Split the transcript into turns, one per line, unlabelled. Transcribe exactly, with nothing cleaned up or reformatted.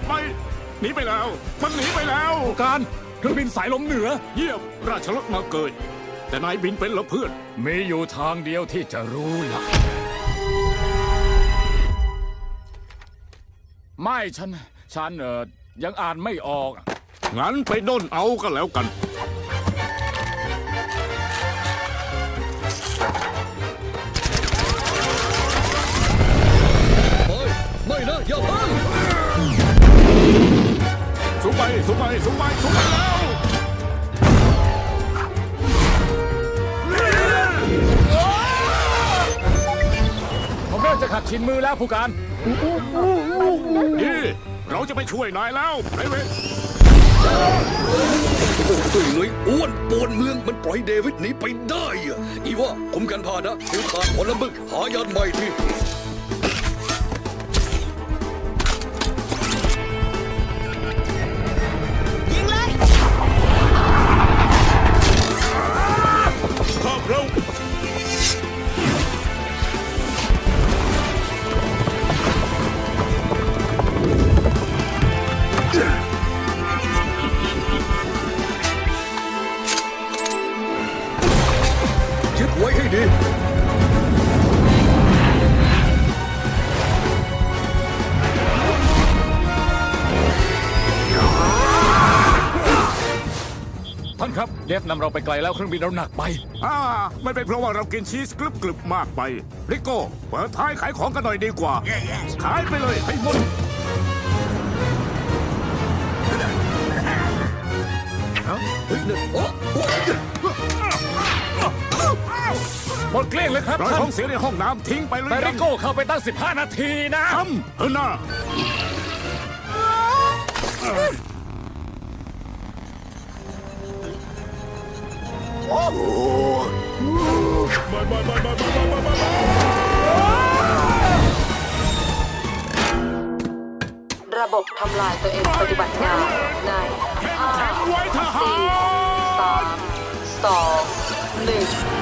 ไปหนีไปแล้วมันหนีไปแล้ว
การเครื่องบินสายลมเหนือ
เยี่ยมราชรถมาเกยแต่นายบินเป็นเหรอเพื่อน
มีอยู่ทางเดียวที่จะรู้ล่ะไม่ฉัน ฉันเออยังอ่านไม่ออก
งั้นไปด้นเอาก็แล้วกัน
ไม่นะอย่าพัง
สูงไปสูงไปสูงไปสูงไปแล้ว
ผมเริ่มจะขัดชินมือแล้วผู้การ
นี่เราจะไปช่วยนายแล้วไพรเวท
โอ้ตุ้ยหน่วยอ้วนปวนเมืองมันปล่อยเดวิดหนีไปได้อะอีว่าคุมกันพานะเดี๋ยวขาดผลมึกหายานใหม่ที่
ยิงเลย
ข้ามเรา
ยึดไว้ให้ดี
ท่านครับเดฟนำเราไปไกลแล้วเครื่องบินเราหนักไป
อ่าไม่เป็นเพราะว่าเรากินชีสกรึบกรึบมากไปริโก้เปิดท้ายขายของกันหน่อยดีกว่า ขายไปเลยให้หมด
เฮ้ยนั่นโอ้โอ้
หมดเกลี้ยงเลยครับ
เรา
ท่าน
ท้องเสียในห้องน้ำทิ้งไปเลย
แต่ริโก้เข้าไปตั้งสิบห้านาทีนะ
ทำเออหน้า
ระบบทำลายตัวเองปฏิบัติงานในห้า
แข็งไว้ทหาร
สามสองหนึ่ง